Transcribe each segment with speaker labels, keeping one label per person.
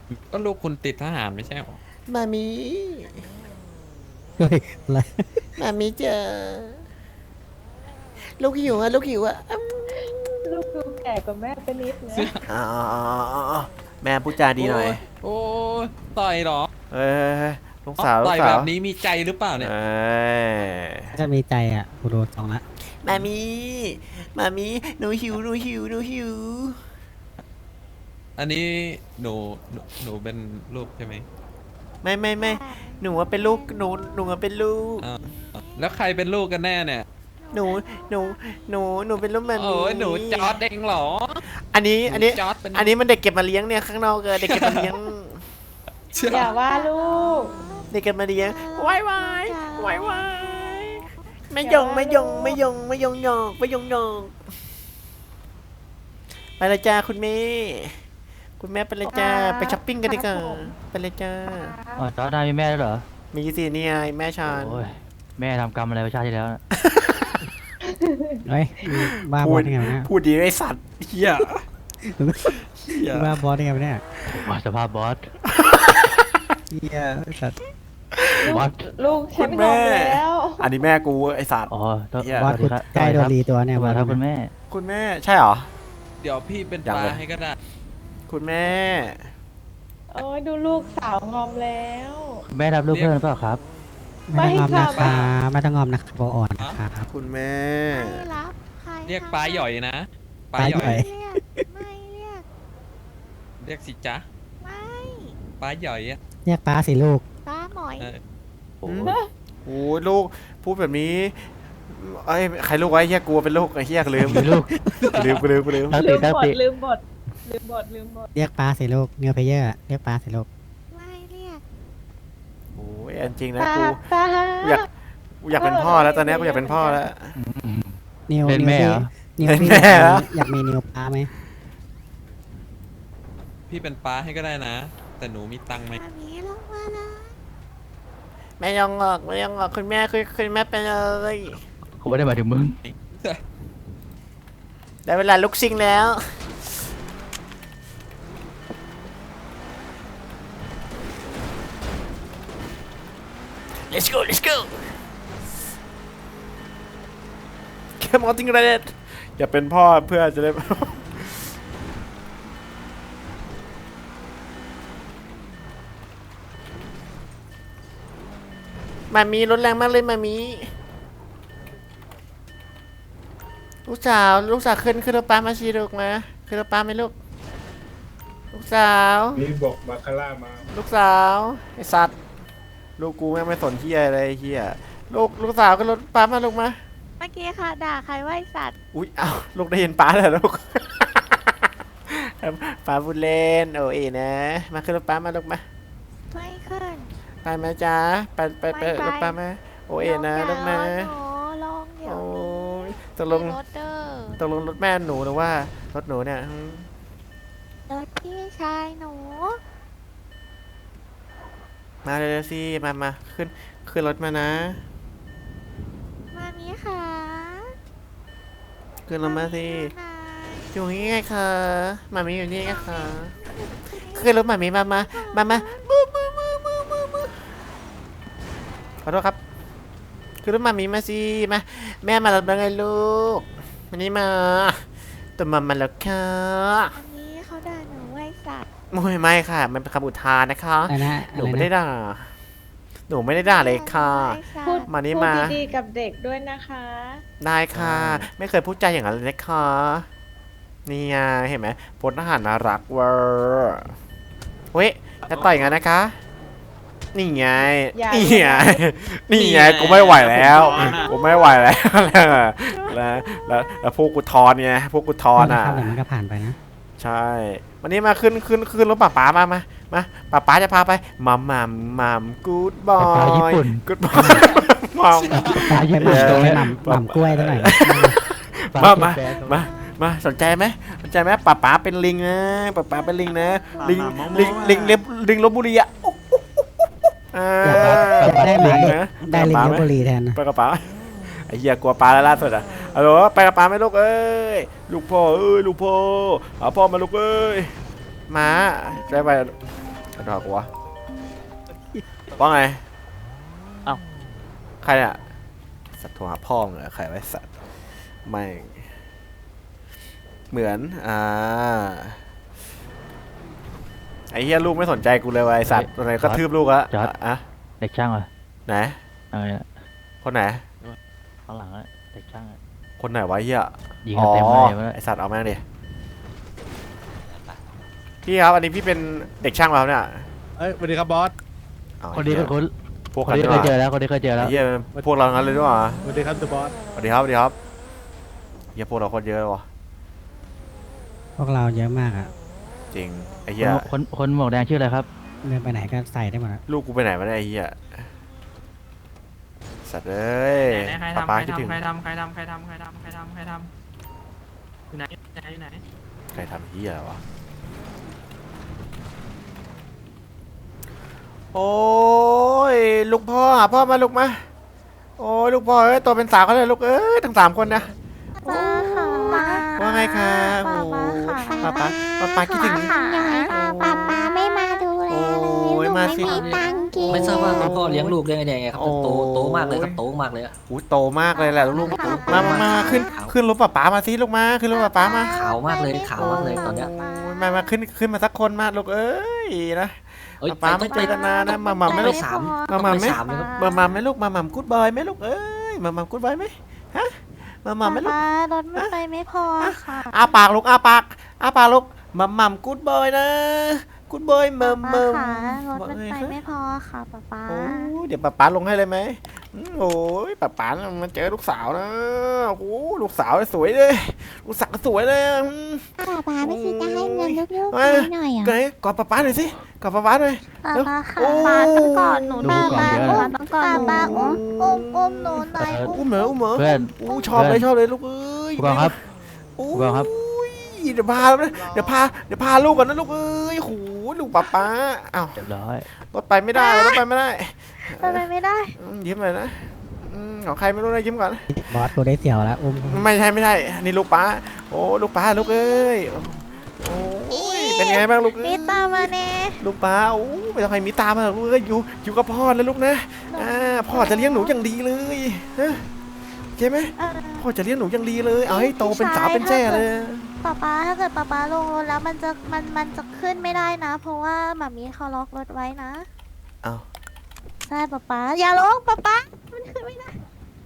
Speaker 1: ก็ลูกคุณติดทหารไม่ใช่หรอ
Speaker 2: มามี
Speaker 3: เฮ้ยอะไร
Speaker 2: มามีเจอลูกหิวอะลูกหิวอะ
Speaker 4: ลูกดูแก่กว่าแม่ไปนิดนะ
Speaker 2: อ๋อแม่พูดจาดีหน่อย
Speaker 1: โอ้ยต่อยเหรอ
Speaker 2: เอ้ยลูก
Speaker 1: อ๋อ
Speaker 2: สาวลู
Speaker 1: ต่อย
Speaker 2: กสาว
Speaker 1: แบบนี้มีใจหรือเปล่าเนี่ย
Speaker 2: เอ้ย
Speaker 3: ถ้ามีใจอ่ะกูโดนสองละ
Speaker 2: มามีมามีหนูหิวหนูหิวหนูหิว
Speaker 1: อันนี้หนูเป็นลูกใช่ไหม
Speaker 2: ไม่หนูว่าเป็นลูกหนูว่าเป็นลูก
Speaker 1: อ้าวแล้วใครเป็นลูกกันแน่เนี่ย
Speaker 2: หนูหนูหนูเป็นลูกมามี
Speaker 1: โอ้ยหนูจอร์ดเองเหรอ
Speaker 2: อันนี้
Speaker 1: หนู
Speaker 2: อันนี้
Speaker 1: จอร์ดเป็น
Speaker 2: อันนี้มันเด็กเก็บมาเลี้ยงเนี่ยข้างนอกเด็กเก็บมาเลี้ยง
Speaker 1: เชื่อ
Speaker 4: อย่าว่าลูก
Speaker 2: เด็กเก็บมาเลี้ยงวายวายว้ายไม่ยงไม่ยงไม่ยงไม่ยงหยอกไม่ยงหยอกไปเลยจ้าคุณแม่คุณแม่ไปเลยจ้าไปช้อปปิ้งกันดีกว่าไปเลยจ้า
Speaker 5: อ๋อจอร์ดนายมีแม่ด้วยเหรอ
Speaker 2: มีสิเนี่ยแม่ชาน
Speaker 5: โอ้ยแม่ทำกรรมอะไรไว้ชาติที่แล้วน่ะ
Speaker 3: เฮ้ยบ้าบอสได้ไงวะเนี่ย
Speaker 2: พูดดีไอ้สัตว์เฮียเฮีย
Speaker 3: บ้าบอสได้ไงวะเนี่ย
Speaker 5: ว่าสภาพบอส
Speaker 3: เฮียสัตว์
Speaker 5: บอส
Speaker 4: ลูกฉันงอมแล้ว
Speaker 2: อันนี้แม่กูไอ้สัตว์
Speaker 5: อ๋อต้อง
Speaker 2: เหี้ย
Speaker 3: บอส
Speaker 5: สวัส
Speaker 3: กู
Speaker 5: ดีครับ
Speaker 3: ใกล้โดนรีตัวเนี่ย
Speaker 5: สวัสดีครับคุณแม่
Speaker 2: คุณแม่ใช่เหรอ
Speaker 1: เดี๋ยวพี่เป็น
Speaker 2: ยัง
Speaker 1: ปลา
Speaker 2: เลย
Speaker 1: ให้ก็ได้
Speaker 2: คุณแม่
Speaker 4: โอ้ยดูลูกสาวงอมแล้ว
Speaker 5: คุณแม่รับลูกเพิ่มหรือเปล่าครับ
Speaker 3: ไม่ต้องงอม
Speaker 4: ไม่
Speaker 3: นะ
Speaker 4: ค่ะ
Speaker 3: คะไม่ต้องงอมนะครับโบอ่อนนะครับ
Speaker 2: คุณแม่
Speaker 6: ไม่รับใคร
Speaker 1: เรียกปลาหย่อยนะปลา
Speaker 3: ปลา
Speaker 1: ห
Speaker 3: หย่
Speaker 1: ย่อ
Speaker 3: อย ย
Speaker 6: เรียกไม่เรียก
Speaker 1: เรียกสิจ๊ะ
Speaker 6: ไม่
Speaker 1: ปลาหย่อยอ่ะ
Speaker 3: เรียกป้าสิลูก
Speaker 6: ป้าหมอย
Speaker 1: เออ
Speaker 5: โอ้
Speaker 2: โอ้ยลูกพูดแบบนี้ไอ้ยใครลูกไว้เฮียกลัวเป็นลูกไอ้เฮียลืม
Speaker 5: มีลูก
Speaker 2: ลืม
Speaker 5: ตั้ง
Speaker 4: ลื
Speaker 5: ติ
Speaker 4: ม
Speaker 5: ตั้ง
Speaker 4: บ
Speaker 5: ติ
Speaker 4: ทลืมบทลืมบทลืมบท
Speaker 3: เรียกป้าสิลูกเนื้อเพเยอร์เรียกป้าสิลูก
Speaker 6: ไม่เรียก
Speaker 2: โอ้ยอันจริงนะ
Speaker 4: ป้า
Speaker 2: กู
Speaker 4: ป้า
Speaker 2: กูอยากเป็นพ่อแล้วตอนนี้กูอยากเป็นพ่อแล้ว
Speaker 3: นิว
Speaker 5: เป็นแม่เหรอ
Speaker 3: นิว
Speaker 2: เป็น
Speaker 3: พี่
Speaker 2: แม่เหรอ
Speaker 3: อยากมีนิวป้าไหม
Speaker 1: พี่เป็นปลาให้ก็ได้นะ แต่หนูมีตังค์ไหม
Speaker 6: มามีลงมาแล้ว
Speaker 2: แม่ยองออกแม่ยองออกคุณแม่คุณแม่ไปเลย
Speaker 5: ผมไม่ได้หมายถึงมึง
Speaker 2: ได้เวลาลุกซิงแล้ว let's go Come on ติงเรดอย่าเป็นพ่อเพื่อจะได้ มามีรถแรงมากเลยมามีลูกสาวขึ้นรถป้ามาชีลูกมาขึ้นรถป้าไหมลูกลูกสาว
Speaker 7: นี่บอกบาคาร่ามา
Speaker 2: ลูกสาวไอสัตว์ลูกกูแม่งไม่สนเฮียอะไรเฮียลูกสาวขึ้นรถป้ามาลูกมา
Speaker 6: เมื่อกี้ค่ะด่าใครว่าไอ้สัตว์
Speaker 2: อุ้ยเอ้าลูกได้ยินป้าแล้วลูก ป้าพูดเล่นโอเอนะมาขึ้นรถป้ามาลูกมา
Speaker 6: ไม่ขึ้น
Speaker 2: ไปไหมจ๊ะไปรถป้ามาโอเอนะลูกมา
Speaker 6: ลงเดี๋ยว
Speaker 2: โอ้ยตกลง
Speaker 6: มีรถเด้อ
Speaker 2: ตกลงรถแม่หนูหรือว่ารถหนูเนี่ย
Speaker 6: รถพี่ชายหนู
Speaker 2: มาเลยสิมาขึ้นรถมานะ
Speaker 6: มามีค่ะ
Speaker 2: ขึ้นรถมาสิ
Speaker 6: ไหน
Speaker 2: อยู่นี่ไงคะมามีอยู่นี่ไงคะขึ้นรถมามีมาบูขอโทษครับขึ้นรถมามีมาสิมาแม่มารับแล้วไงลูกวันนี้มาตัวมาแล้วค่ะ
Speaker 6: อันนี้เขาด่าหนูว่าไอ้สัตว์
Speaker 2: ไม่ค่ะมันเป็นคำอุทานนะคะ
Speaker 3: อะไรนะ
Speaker 2: หนูไม่ได้ด่าหนูไม่ได้ด่าเลยค่ะ
Speaker 4: พูด
Speaker 2: มานี่
Speaker 4: พูด
Speaker 2: มา
Speaker 4: ดีๆกับเด็กด้วยนะคะ
Speaker 2: ได้ค่ะ ไม่เคยพูดใจาอย่างนั้นเลยนะคะนี่ไงเห็นไหมพลทหารน่ารักเวอร์เว้ยจะต่อยกันนะคะ นี่ไง
Speaker 4: อย่า
Speaker 2: นี่
Speaker 4: เลย
Speaker 2: ไง
Speaker 4: นะ
Speaker 2: นี่ไงกูไม่ไหวแล้วกูไม่ไหวแล้วแล้วพวกกูทอนไงพวกกูทอนอ่ะ
Speaker 3: เดี๋ยวมันก็ผ่านไปนะ
Speaker 2: ใช่วันนี้มาขึ้นรถป๋ามาป๋าจะพาไปมัมกูดบอ
Speaker 5: ป๋าญี่
Speaker 2: ย
Speaker 5: ปุ่น
Speaker 2: กูดบอยมัม
Speaker 3: ปลาญี่ปุ่นตัวหม่ำกล้วยตัวไหนอย
Speaker 2: มาสนใจไหมป๋าเป็นลิงนะป๋าเป็นลิงนะลิงลพบุรีอ่ะ
Speaker 3: ได้ไหม
Speaker 2: นะ
Speaker 3: ได้ลิงลพบุรีแทนนะ
Speaker 2: ไปกับป๋าไอ้เหี้ยกลัวปลาแล้วล่าสุดอ่ะฮัลโหลไปกับป๋าไหมลูกเอ้ยลูกพ่อเอาพ่อมาลูกเอ้ยมาได้ไปกระดอกวะว่าไง
Speaker 7: เอ้า
Speaker 2: ใครอ่ะสัตว์โทรหาพ่อมึงเหรอใครไว้สัตว์ไม่เหมือนไอ้เหี้ยลูกไม่สนใจกูเลยว่ะไอ้สัตว์ตัวไหนกระทืบลูกอะอะ
Speaker 5: เด็กช่างเหรอ
Speaker 2: ไหน
Speaker 5: อะไรอะ
Speaker 2: คนไหน
Speaker 5: ข้างหลังอะเด็กช่างอะ
Speaker 2: คนไหนวะเหี้ย
Speaker 5: ยิงกันเต็มเลย
Speaker 2: ไอสัตว์เอาแม่งดิพี่ครับอันนี้พี่เป็นเด็กช่างเราเนี่ย
Speaker 8: เอ้ยสวัสดีครับบอส
Speaker 2: เอา
Speaker 5: คนนี้เป็นคน
Speaker 2: พวก
Speaker 5: คน
Speaker 2: กัน
Speaker 5: นี้
Speaker 2: ด้วย
Speaker 5: เคยเจอแล้วคนนี้เคยเจอแล้ว
Speaker 2: ไอ้เหี้ยพวกเรางั้นเลยด้วยวะ
Speaker 8: สวัสดีครับตัวบอส
Speaker 2: สวัสดีครับสวัสดีครับเหี้ยพวกเราโคนเยอะเลยวะ
Speaker 3: พวกเราเยอะมากอ่ะ
Speaker 2: จริงไอ้เหี้ย
Speaker 5: คนหมวกแดงชื่ออะไรครับ
Speaker 3: เดินไปไหนก็ใส่ได้หมดอะ
Speaker 2: ลูกกูไปไหนมาเนี่ยไอ้เหี้ยสัตว์เอ้ย
Speaker 7: ใคร
Speaker 2: ป๊า
Speaker 7: ทำ
Speaker 2: ป๊า
Speaker 7: ใคร
Speaker 2: คิดถึง
Speaker 7: ทำใครทำใครทำใครทำใครทำใครทำใครทำอยู่ไหนอยู่ไหน
Speaker 2: ใครทำเหี้ยอะไรวะโอ้ยลูกพ่อหาพ่อมาลูกมาโอ้ยลูกพ่อเอ้ยตัวเป็นสาวเขาเลยลูกเอ้ยทั้ง3 คนนะ
Speaker 6: ป้าค่ะ
Speaker 2: ว่าไงคะ
Speaker 6: ป้า
Speaker 2: โอ้
Speaker 6: ป้าค่ะ
Speaker 2: ป้าคิดถึง
Speaker 6: ป้าไม่มาดูแลเลย
Speaker 2: โอ้ย
Speaker 6: ลูก
Speaker 2: มา
Speaker 6: ไม่
Speaker 2: สิ
Speaker 6: มีตังค์กิน
Speaker 9: ไม่ทราบว่าคุณพ่อเลี้ยงลูกได้ไงครับ
Speaker 2: โอ้
Speaker 9: โตมากเลยครับโตมากเลยอะ
Speaker 2: อู้โตมากเลยแหละลูกมาขึ้นรถป้ามาสิลูกมาขึ้นรถป้ามา
Speaker 9: ขาวมากเลยขาวมากเลยตอนเนี้ย
Speaker 2: โอ้ยมาขึ้นมาสักคนมาลูกเอ้ยนะ
Speaker 9: เอ้ย
Speaker 2: ป้าไม่เจอกันนานนะมาไม่
Speaker 9: ไม่
Speaker 2: ลูก
Speaker 9: สาม
Speaker 2: มาไม่
Speaker 9: สามเลยครับ
Speaker 2: มาไม่ลูกมากู๊ดบอยไหมลูกเอ้ยมากู๊ดบอยไหมฮะมาไม่ลูก
Speaker 6: ป้ารถไม่ไปไม่พอค่ะ
Speaker 2: อ้าปากลูกอ้าปากลูกมากู๊ดบอยนะกู๊ดบอยมัม
Speaker 6: ป้าค่ะรถมันไปไม่พอค่ะป้า
Speaker 2: โอ้ยเดี๋ยวป้าลงให้เลยไหมโอ้ยป้ามันเจอลูกสาวนะโอ้โหลูกสาวสวยเลยลูกสาวสวยเลย
Speaker 6: ป้าไม่คิดจะให้เงินลูกๆ
Speaker 2: เอ้ย
Speaker 6: หน่อยอ่ะ
Speaker 2: เกรดกอดป้าหน่อยสิกอดป้าหน่อย
Speaker 6: ป้าค่ะ
Speaker 2: โอ้
Speaker 6: ป้าต้องกอดหนู
Speaker 5: ดู
Speaker 6: ป้า
Speaker 5: ก่อนเยอะ
Speaker 6: ต้องกอดหนูป้าอุ้มหนูหน่อย
Speaker 2: อุ้มเหรอ
Speaker 5: เพื่อน
Speaker 2: อู้ชอบเลยลูกเอ้ย
Speaker 5: ผู้กองครับ
Speaker 2: โอ้ย
Speaker 5: ผู้กองครับ
Speaker 2: เดี๋ยวพาลูกก่อนนะลูกเอ้ยโหลูกป้าอ้าว
Speaker 5: เรียบร้อย
Speaker 2: รถไปไม่ได้รถไปไม่ได้
Speaker 6: ไปไม่ได้
Speaker 2: ยิ้มเลยนะของใครไม่รู้นะยิ้มก่อน
Speaker 3: บอสกูได้เสี่ยวแล้วอุ้ม
Speaker 2: ไม่ใช่นี่ลูกป้าโอ้ลูกป้าลูกเอ้ยโอ้ยเป็นไงบ้างลูกเอ้
Speaker 6: มี
Speaker 2: ย
Speaker 6: ตามมาเน่
Speaker 2: ลูกป้าโอ้ไม่ต้องให้มีตามมาหรอกลูกเอ้ยอยู่กับพ่อนะลูกนะพ่อจะเลี้ยงหนูอย่างดีเลยฮะใช่ไหมพ่อจะเลี้ยงหนูอย่างดีเลยเอาให้โตเป็นสาวเป็นแจ้เลย
Speaker 6: ป้าถ้าเกิดป้าลงรถแล้วมันจะขึ้นไม่ได้นะ เพราะว่าหมามีเขาล็อกรถไว้นะ
Speaker 2: เอา
Speaker 6: ใช่ป้าอย่าลงป้ามันขึ้นไม่ได้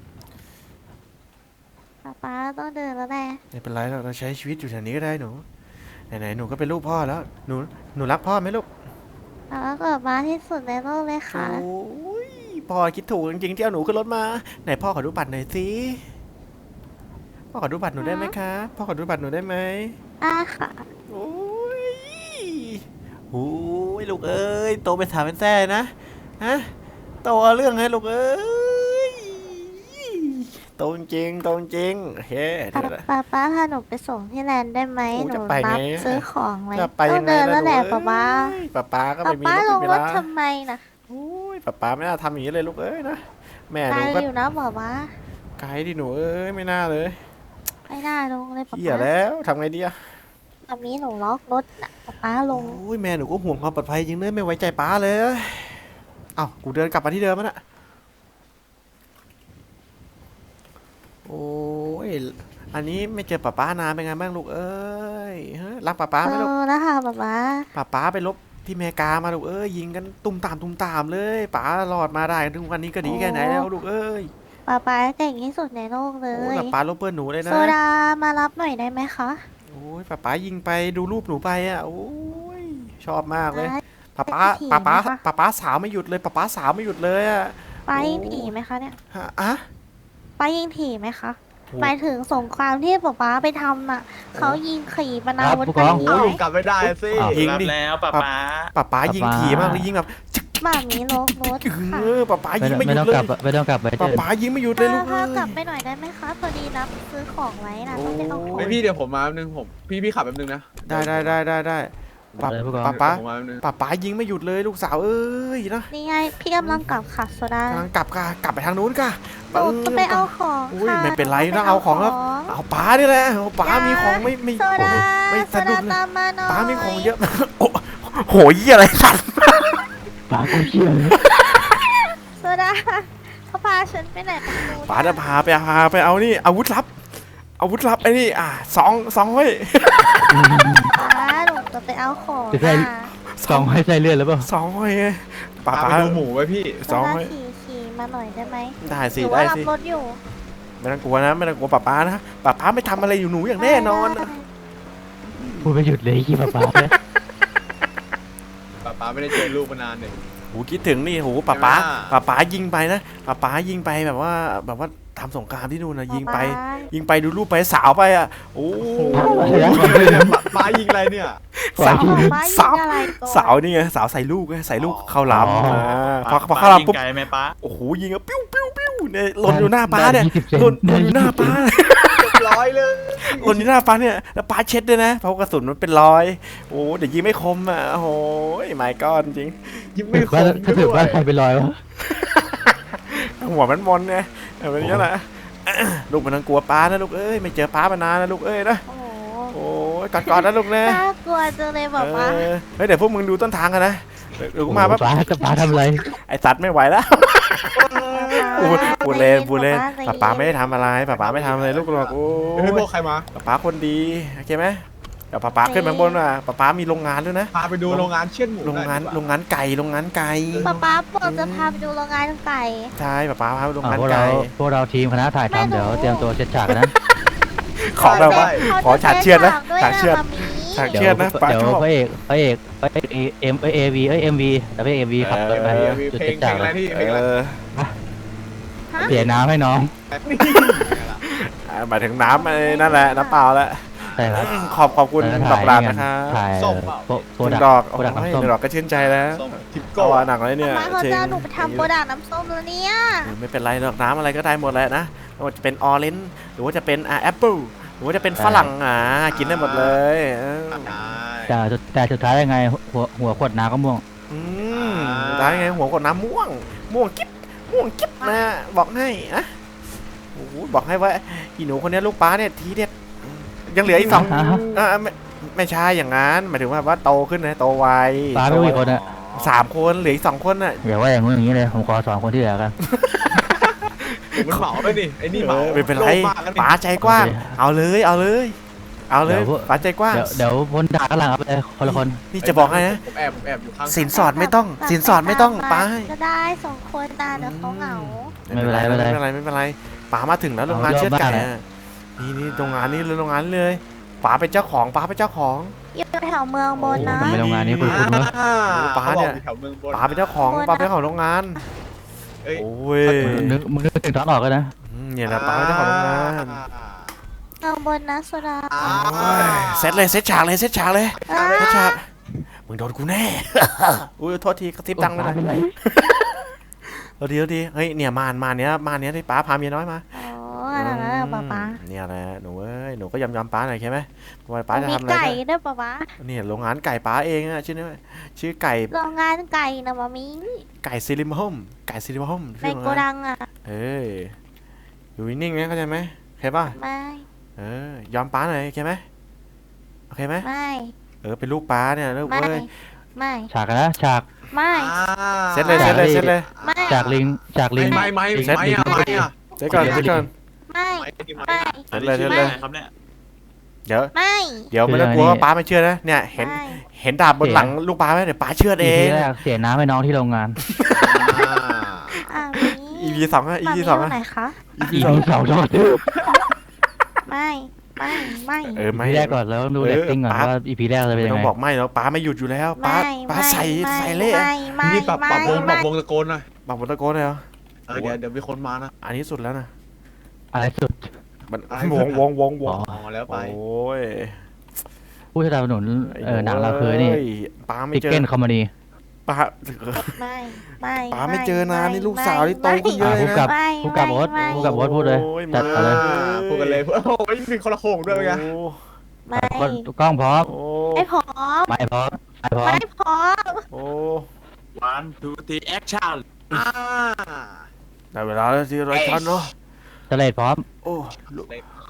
Speaker 6: ป้าต้องเดินแล้วแหละ
Speaker 2: ไม่เป็นไรเราใช้ชีวิตอยู่แถวนี้ก็ได้หนูไหนหนูก็เป็นลูกพ่อแล้วหนูรักพ่อไหมลูก
Speaker 6: แล้วก็ป้าที่สุดในโลกเลยค่ะ
Speaker 2: โอ้ยพ่อคิดถูกจริงๆที่เอาหนูขึ้นรถมาไหนพ่อขอดูบัตรหน่อยสิพ่อขอดูบัตรหนูได้ไหมคะพ่อขอดูบัตรหนูได้ไหม
Speaker 6: ค่ะ
Speaker 2: โอ้ยโอ้ยลูกเอ้ยโตเป็นสาวเป็นแซ่นะฮะโตเอาเรื่องให้ลูกเอ้ยโตจริงเฮ้เดี๋ยวนะ
Speaker 6: ป้าพาหนูไปส่งที่แลนด์ได้ไหม
Speaker 2: โอ้
Speaker 6: ห
Speaker 2: จะ
Speaker 6: นู
Speaker 2: ไปไง
Speaker 6: รับซื้อของไว้
Speaker 2: จะไป
Speaker 6: ต้
Speaker 2: ยั
Speaker 6: อง
Speaker 2: งไง
Speaker 6: เดิน
Speaker 2: ล่ะ
Speaker 6: แล้วแหละ
Speaker 2: ลูก
Speaker 6: ป้า
Speaker 2: เอ้ยป้าก็ไม่มี
Speaker 6: ป้าร
Speaker 2: ถ
Speaker 6: ลง
Speaker 2: ไม่
Speaker 6: ร
Speaker 2: มี
Speaker 6: ถ
Speaker 2: ลา
Speaker 6: ทำไมนะ
Speaker 2: โอ้ยป้าไม่น่าทำอย่างนี้เลยลูกเอ้ยนะแม่ห
Speaker 6: ไกล
Speaker 2: นูก็
Speaker 6: อยู่นะป้า
Speaker 2: ไกลดิหนูเอ้ยไม่น่าเลย
Speaker 6: ไม่น่าลงเลยป้า
Speaker 2: เหี้ยแล้วทำไงดีอะ
Speaker 6: แบบนี้หนูล็อกรถนะป้าลง
Speaker 2: โอ้ยแม่หนูก็ห่วงความปลอดภัยจริงเลยไม่ไว้ใจป้าเลยเอ้ากูเดินกลับมาที่เดิมแล้วน่ะโอ้ยอันนี้ไม่เจอป้านานเป็นไงบ้างลูกเอ้ยฮะรักป้าไหมลูก
Speaker 6: แล้วค่ะป้า
Speaker 2: ป้าไปลบที่เมกามาลูกเอ้ยยิงกันตุ่มตามเลยป้ารอดมาได้ถึงวันนี้ก็ดีแค่ไหนแล้วลูกเอ้ย
Speaker 6: ป้าเก่งที่สุดในโลกเล
Speaker 2: โอ้ย
Speaker 6: ย
Speaker 2: ป้าลบเปิ้ลหนูเลยนะ
Speaker 6: โซดามารับหน่อยได้ไหมคะ
Speaker 2: โอ้ยป้ายิงไปดูรูปหนูไปอ่ะโอ้ยชอบมากเลย
Speaker 6: ได้
Speaker 2: ป้าสาวไม่หยุดเลยป้าสาวไม่หยุดเลยอ่ะ
Speaker 6: ป้ายิงถี่ไหมคะเนี่ย
Speaker 2: ฮะอะ
Speaker 6: ป้ายิงถี่ไหมคะ
Speaker 2: โอ้
Speaker 6: หมายถึงสงครามที่ป้าไปทำน่ะเขายิงขี่ปนาวุธ
Speaker 5: ผู้
Speaker 6: กั
Speaker 5: ก
Speaker 6: น
Speaker 5: อง
Speaker 6: หน่อย
Speaker 8: กลับไม่ได้สิ
Speaker 2: ยิง
Speaker 10: รับ
Speaker 2: ดิ
Speaker 10: แล้วป้าป๊า
Speaker 2: ป้ายิงถี่มากเลยยิงแบบ
Speaker 6: หมามีล็อกรถค่ะ
Speaker 2: ป้ายิงไม่ห
Speaker 5: ไม่
Speaker 2: ยุ
Speaker 5: ต้
Speaker 2: ด
Speaker 5: อง
Speaker 2: เล
Speaker 5: กลั
Speaker 2: ย
Speaker 5: บไม่ต้องกลับไปเดิน
Speaker 2: ป้ายิงไม่หยุดเลยลูก
Speaker 6: ถ้า
Speaker 2: เอ้ย
Speaker 6: กลับไปหน่อยได้ไหมคะพอดีรับซื้อของไว้นะต้องไปเอาของ
Speaker 8: ไม่พี่เดี๋ยวผมมาแป๊บนึงพี่ขับแป๊บนึงนะ
Speaker 2: ได้ป้า
Speaker 5: เลยผู้กอง
Speaker 2: ป้า
Speaker 8: ผมมาแป๊บนึง
Speaker 2: ป้ายิงไม่หยุดเลยลูกสาวเอ้ยนะ
Speaker 6: นี่ไงพี่กำลังกลับค่ะโซดาก
Speaker 2: ำลังกลับไปทางนู้นค่ะ
Speaker 6: หนูจะไปเอาของ
Speaker 2: อุ้ย
Speaker 6: ค่ะ
Speaker 2: ไม่เป็นไรนะเอาของแล้วเอาป้านี่แหละเอาป้ามีของไม่
Speaker 6: โซดา
Speaker 2: ไม่
Speaker 6: โซ
Speaker 2: สะดุ
Speaker 6: ดา
Speaker 2: ดเลย
Speaker 6: ตามมาหน่อย
Speaker 2: ป้ามีของเยอะโอ้โหยี่อะไรสัตว์
Speaker 5: ปากกูเชี่ยเลย
Speaker 6: โซดาเขาพาฉันไปไหนไม่รู้
Speaker 2: ป๋าจะพาไปเอานี่อาวุธลับไอ้นี่สองเฮ้ย
Speaker 6: ป๋าหนูจะไปเอาของ
Speaker 5: จะใส่ซองให้ใส่เลือดแล้วเปล่า
Speaker 2: สองเฮ้ยป๋า
Speaker 8: พาไปดูหมูไว้พี่
Speaker 6: โซ
Speaker 2: สอง
Speaker 6: ดา
Speaker 2: เฮ้ย
Speaker 6: ขี่มาหน่อยได้ไหม
Speaker 2: ได้
Speaker 6: ห
Speaker 2: สิ
Speaker 6: รือ
Speaker 2: ได้
Speaker 6: ว่ารับ
Speaker 2: สิ
Speaker 6: รถอยู่
Speaker 2: ไม่ต้องกลัวนะไม่ต้องกลัวป๋านะป๋าไม่ทำอะไรอยู่หนูอย่างแน่นอน
Speaker 5: พูดไม่หยุดเลยขี้ปลาเนี่ย
Speaker 8: ป้าไม่ได้เจอลูกมานานเนี่ย
Speaker 2: โหคิดถึงนี่โหป๋ายิงไปนะป๋ายิงไปแบบว่าทำสงครามที่นู่นนะยิงไปดูรูปไปสาวไปโอ้
Speaker 8: ป้ายิงอะไรเนี่ย
Speaker 2: สาว
Speaker 6: ป๋ายิ
Speaker 2: สาว
Speaker 6: งอะไรก่อน
Speaker 2: สาวนี่ไงสาวใส่ลูกไงใส่ลูกเข้าลำพอเข้าลำปุ๊บ
Speaker 8: ไกลไหมป้า
Speaker 2: โอ้โหยิงปิ้วเนี่ยหล่นอยู่หน้าป้าเนี่ยหล่นอยู่หน้าป้า
Speaker 8: ร้อยเลย
Speaker 2: หล่นอยู่หน้าป้าเนี่ยแล้วป้าเช็ดด้วยนะเพราะกระสุนมันเป็นรอยโอ้เดี๋ยวยิงไม่คมโอ้โหไม่ก้อนจริง
Speaker 8: ยิ้ม
Speaker 5: ถื
Speaker 8: ไม่
Speaker 5: อ
Speaker 8: ค
Speaker 5: ว่าม ถ้าถือว่าใครไปลอยวะ
Speaker 2: หัวมันมนไงแบบนี้แหละลูกมันต้องกลัวป้านะลูกเอ้ยไม่เจอป้ามานานนะลูกเอ้ยนะ
Speaker 6: โอ้โห
Speaker 2: โอ้ยกอดนะลูกนะ
Speaker 6: น่ากลัวจังเลยบอกว่า
Speaker 2: เฮ้ยเดี๋ยวพวกมึงดูต้นทางกันนะเดี๋ยวกูมาปั๊บ
Speaker 5: ปลาจะปลาทำอะไร
Speaker 2: ไอสัตว์ไม่ไหวแล้วพูดเล่นป้าไม่ได้ทำอะไรป้าไม่ทำอะไรลูกหรอกโอ้
Speaker 8: เฮ้ย
Speaker 2: ย
Speaker 8: พวกใครมา
Speaker 2: ป้าคนดีโอเคไหมเดี๋ยวป้าขึ้นไปข้างบนว่ะป้ามีโรงงานด้วยนะ
Speaker 8: พาไปดูโรงงานเชี่ยนหมู
Speaker 2: โรงงานไก่
Speaker 6: ป๊าบอกจะพาไปดูโรงงานไก่
Speaker 2: ใช่ป้าพาไปโรงงาน
Speaker 5: พวก
Speaker 2: ไก่
Speaker 5: เราทีมคณะถ่ายทำเดี๋ยวเตรียมตัวเช็ดฉากนะ
Speaker 2: ขอแบบว่าขอฉากเชือดนะฉากเชือด
Speaker 6: ฉาก
Speaker 5: เดี๋
Speaker 2: เชื
Speaker 5: ย
Speaker 2: อ
Speaker 5: ว
Speaker 2: ดนะป้า
Speaker 5: เดี๋ยว
Speaker 2: ชอบ
Speaker 5: พระเอกเอ็มวีแล้วพระเอกเอ็มวีขับรถไป
Speaker 8: มี
Speaker 5: จุด
Speaker 8: เพล
Speaker 5: เช็
Speaker 8: ง
Speaker 5: ด
Speaker 8: เพล
Speaker 5: ฉาง ก
Speaker 8: อะไรที่เพลงอะไร
Speaker 5: เสียน้ำให้น้อง
Speaker 2: หมายถึงน้ำไอ้นั่นแหละน้ำเปล่าแหละ
Speaker 5: ใช่ครับ
Speaker 2: ขอบคุณดอกรักนะครับ
Speaker 5: ถ่าย
Speaker 8: ส้มเปล่า
Speaker 5: โปร
Speaker 2: หนึ่
Speaker 5: ดั
Speaker 2: ง
Speaker 5: ก
Speaker 2: ดอก
Speaker 5: โปรดัก
Speaker 2: โอ้ย
Speaker 5: น้ำส้ม
Speaker 2: หนึ่งดอกก็ชื่นใจแล้ว
Speaker 8: ส้มทิป
Speaker 2: ก็
Speaker 8: โก้
Speaker 2: ว่าหนักเลยเนี่ย
Speaker 6: ป๊าเขา
Speaker 2: จริง
Speaker 6: จะหนูไปทำโปรดักต์น้ำส้มแล้วเนี่ย
Speaker 2: ไม่เป็นไรหรอกน้ำอะไรก็ได้หมดแหละนะไม่ว่าจะเป็นออเรนจ์หรือว่าจะเป็นแอปเปิลหรือว่าจะเป็นฝรั่งกินได้หมดเลย
Speaker 5: แต่สุดท้ายยังไงหัวขวดน้ำก็ม่วง
Speaker 2: ได้ไงหัวกดน้ำม่วงกิ๊บนะบอกให้นะโอ้โหบอกให้ว่าอีหนูคนนี้ลูกป้าเนี่ยทีเด็ดยังเหลืออีกสองไม่ใช่อย่างนั้นหมายถึงว่าโตขึ้นนะโตไว
Speaker 5: ป้าไม่รู้กี่คนอะ
Speaker 2: 3 คนเหลืออีก2 คนน่ะ
Speaker 5: อย่าว่าอย่างงู้นอย่างนี้เลยผมขอสอนคนที่เหลือกัน
Speaker 8: มันเหมาไปนี่ไอ้นี่เหมา
Speaker 2: ไม่เป็นไร
Speaker 8: โลภมากนะนี่
Speaker 2: ป๋าใจกว้างเอาเลยป๋าใจกว้าง
Speaker 5: เดี๋ยวพ้นด่าข้างหลังเอาไปเลยคนละคน
Speaker 2: นี่จะบอกให้นะ
Speaker 8: ผมแอบอยู่ข้าง
Speaker 2: สินสอดไม่ต้องป้า
Speaker 6: ก็ได้2 คนตาเดี๋ยวเขาเหงา
Speaker 5: ไม่เป็นไร
Speaker 2: ไม่เป็นไรป๋ามาถึงแล้วโรงงานเชือดไก่นี่โรงงานนี้เลยโรงงานเลยป๋าเป็นเจ้าของ
Speaker 6: อยู่แถวเมืองบนนะ
Speaker 5: ทำไมโรงงานนี้คุณเนอะ
Speaker 2: ป๋าเนี่ย
Speaker 8: แถวเมืองบน
Speaker 2: ป๋าเป็นเจ้าของโรงงาน
Speaker 8: เอ้ย
Speaker 2: โอ้ย
Speaker 5: มึงนึกถึงตอนออกกันนะ
Speaker 2: เนี่ยนะป๋าเป็นเจ้าของโรงงาน
Speaker 6: เมืองบนนะโซดา
Speaker 2: เซตฉากเลยมึงโดนกูแน่ อุ้ยโทษทีกระซิบดังไปหน่อยเอาดีเฮ้ยเนี่ยมานเนี้ยที่ป้าพาเมียน้อยมา
Speaker 6: อ๋อนั่นนะป๊า
Speaker 2: เนี่ยแหละหนูเอ้ยหนูก็ยอมป้าหน่อยใช่ไหมว่าป้าจะ
Speaker 6: มี
Speaker 2: ทำอะไร
Speaker 6: ไก่ด้วยป๊า
Speaker 2: เนี่ยโรงงานไก่ป้าเองอะชื่อไก่
Speaker 6: โรงงานไก่นะมามี
Speaker 2: ไก่ซิลิมโฮม
Speaker 6: ในโกดังอ่ะ
Speaker 2: อยู่นิ่งๆนะเข้าใจไหมโอเคป่ะ
Speaker 6: ไม่
Speaker 2: ยอมป้าหน่อยโอเคไหม
Speaker 6: ไม่
Speaker 2: เป็นลูกป้าเนี่ยลูก
Speaker 6: ไม่
Speaker 2: เอ้ย
Speaker 6: ไม่
Speaker 5: ฉากนะฉาก
Speaker 6: ไม่
Speaker 2: เซตเลย
Speaker 6: ไม่
Speaker 5: จากลิง
Speaker 8: ไม่
Speaker 2: เซตก่อน
Speaker 6: ไม่ ไม่
Speaker 2: เซตเลย
Speaker 7: ครับเนี่ย
Speaker 2: เดี๋ยว
Speaker 6: ไม่
Speaker 2: ไม่ต้องกลัวว่าป้าไม่เชื่อนะเนี่ยเห็นดาบบนหลังลูกป้าไหมเดี๋ยวป้าเชื่อเอ
Speaker 5: อี
Speaker 2: ง
Speaker 5: แรกเสียน้ำให้น้องที่โรงงาน
Speaker 2: EP 2อะ EP 2อะ
Speaker 6: ไหนคะ
Speaker 5: อีพีสองโทษ
Speaker 6: ไม่ไม่
Speaker 2: ไม่
Speaker 5: อีพีแรกก่อนแล้วดูเรตติ้งก่อนว่าอีพีแรกจะเป็น
Speaker 2: ไม่
Speaker 5: ยัง
Speaker 2: ต้อง
Speaker 5: ไง
Speaker 2: บอกไม่แล้วป้าไม่หยุดอยู่แล้วป้าใส่เละ
Speaker 6: ไม่
Speaker 8: นี่ปรับวงตะโกนหน่อย
Speaker 2: บอกบนตะโกนเลยเหรอ
Speaker 8: เดี๋ยวมีคนมานะ
Speaker 2: อันนี้สุดแล้วนะ
Speaker 5: อะไรสุด
Speaker 2: มันวง
Speaker 5: อ๋อ
Speaker 8: แล้วไป
Speaker 2: โอ้ย
Speaker 5: ผู้สนับสนุนหนังเราคือนี่
Speaker 2: ป้าไม่
Speaker 5: ติ๊ก
Speaker 2: เจอ
Speaker 5: เก้นคอมมานี
Speaker 2: ป้า
Speaker 6: ไม่ไม่
Speaker 2: ป้าไม่เจอนานนี่ลูกสาวที่โตขึ้นเยอะ
Speaker 5: ผู้
Speaker 2: นะ
Speaker 5: กับผู้กับโอ๊ตผู้กับโอ๊ตพูดเลยจัดไปเลย
Speaker 8: พูดกันเลยโอ้ยมีคนละโค้งด้วยไง
Speaker 6: ไม่
Speaker 5: กล้องพร้อม
Speaker 6: ไม่พร้อม
Speaker 5: ไม่พร้อมไม่พร้อม
Speaker 6: ไม่พร้อม
Speaker 2: โอ้
Speaker 7: 1 2 3 แอคชั่น
Speaker 2: ได้เวลาแล้วที่ไรกันเนาะ
Speaker 5: สเลดพร้อม
Speaker 2: โอ้ลูก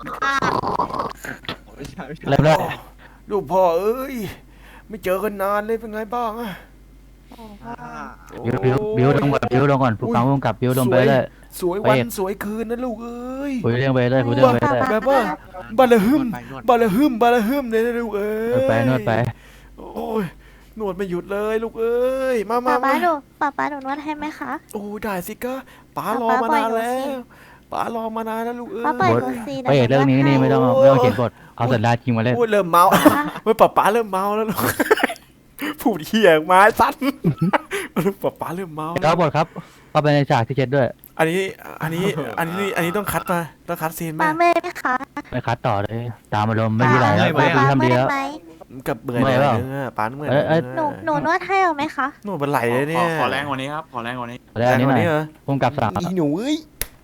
Speaker 8: ไม่ใช่
Speaker 5: เริ่มเลย
Speaker 2: ลูกพ่อเอ้ยไม่เจอกันนานเลยเป็นไงบ้างอะ
Speaker 6: โอ้
Speaker 5: บิวลงก่อนบิวลงก่อนผู้ฟังร่วมกับบิวลงไปเลย
Speaker 2: สวยวันสวยคืนนะลูกเอ้ย
Speaker 5: คุยเรื่องไปเลยคุยเรื่องไปเลย
Speaker 2: แบบว่าบาลาฮึมบาลาฮึมบาลาฮึมเลยนะลูกเอ้ย
Speaker 5: นวดไปนวดไป
Speaker 2: โอ้ยนวดไม่หยุดเลยลูกเอ้ยมา
Speaker 6: ป๊า
Speaker 2: มา
Speaker 6: ป๊าหนูนวดให้ไหมคะ
Speaker 2: โอ้ได้สิก็ป๋ารอมานานแล้วป๋ารอมานานแล้วลูกเอ้ย
Speaker 6: ป๊าปล่อยหนูสิ
Speaker 5: พระเอกเรื่องนี้นี่ไม่ต้องเขียนบทเอาสัญญาจริงมาเล่น
Speaker 2: โอ้ยเริ่มเมาเฮ้ยป๋าเริ่มเมาแล้วลูกพูดเหี้ยไม้สั้นป๋าเริ่มเมา
Speaker 5: แล้วบทครับเข้าไปในฉากที่เจ็ดด้วย
Speaker 2: อันนี้ต้องคัดมาต้องคัดซีน
Speaker 6: ป๊า
Speaker 2: มา
Speaker 6: เมื่อยไหมคะ
Speaker 5: ไปคัดต่อเลยตามอารมณ์ไม่มีอะไรแล้ว
Speaker 6: ป๊า
Speaker 5: พี่ทำดีแล้ว
Speaker 6: ไหม
Speaker 2: กับเบื่อ
Speaker 5: เมื่อยเปล่า
Speaker 2: ป๋าเมื่อย
Speaker 6: หนูนวดให้เอาไหมคะ
Speaker 2: นวดบนไหลเลยเนี่ย
Speaker 8: ขอแรงกว่านี้ครับ ขอแรงกว่านี้
Speaker 5: แล้วอันนี้หน่อย
Speaker 2: เหรอ
Speaker 5: พุ่มกับสาม
Speaker 2: อีหนูเอ้ย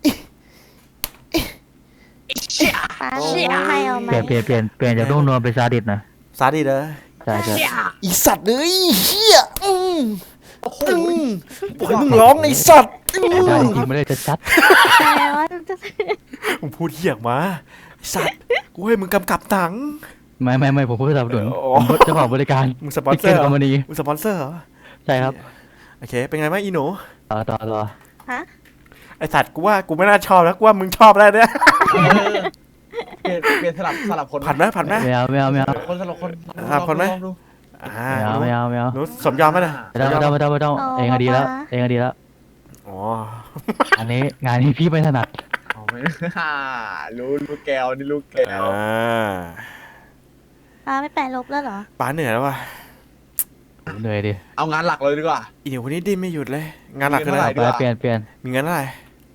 Speaker 6: ป๊าหนูนวดให้เอาไหม
Speaker 5: เปลี่ยนจากนุ่มนวลเป็นซาดิสนะ
Speaker 2: ซาดิสเหรอ
Speaker 5: ใช่ใช่
Speaker 2: อีสัตว์เลยเฮียปล่อยมึงร้องไอ้สัตว์
Speaker 5: ได้จริงไม่ได้ชัด
Speaker 6: แต่ว่าจะ
Speaker 2: มึงพูดเหี้ยมาไอ้สัตว์กูให้มึงกำกับหนัง
Speaker 5: ไม่ผมพูดสนับสนุน
Speaker 2: อ๋อ
Speaker 5: ผมเจ้าของบริการ
Speaker 2: มึงสปอนเซอร์เหรอ
Speaker 5: คอมพานี
Speaker 2: มึงสปอนเซอร์เหรอ
Speaker 5: ใช่ครับ
Speaker 2: โอเคเป็นไงบ้างอีหนู
Speaker 5: ต่อ
Speaker 6: ฮะ
Speaker 2: ไอ้สัตว์กูว่ากูไม่น่าชอบแล้วกูว่ามึงชอบแล้วเนี่ย
Speaker 8: เปลี่ยนสลับคน
Speaker 2: ผัดไหม
Speaker 5: ไม่เอา
Speaker 8: คนสลับคน
Speaker 2: คนไหม
Speaker 8: ลองดู
Speaker 5: ไม่เอา
Speaker 2: หนูสมยอมไหมนะ
Speaker 5: ไม่ต้องเองก็ดีแล้ว
Speaker 2: อ๋อ
Speaker 5: อันนี้งานนี้พี่ไม่ถนัด
Speaker 8: เอาไม่รู้แก้วนี่ลูกแก้ว
Speaker 6: ป๊าไม่แปลลบแล้วเหรอ
Speaker 2: ป๋าเหนื่อยแล้วว่ะ
Speaker 5: เหนื่อยดิ
Speaker 8: เอางานหลักเลยดีกว่า
Speaker 2: อีหนูคนนี้ดิ้นไม่หยุดเลย งานหลักคืออะไร
Speaker 8: ดีกว่า
Speaker 5: เปลี่ยน
Speaker 2: มีเงินอะไร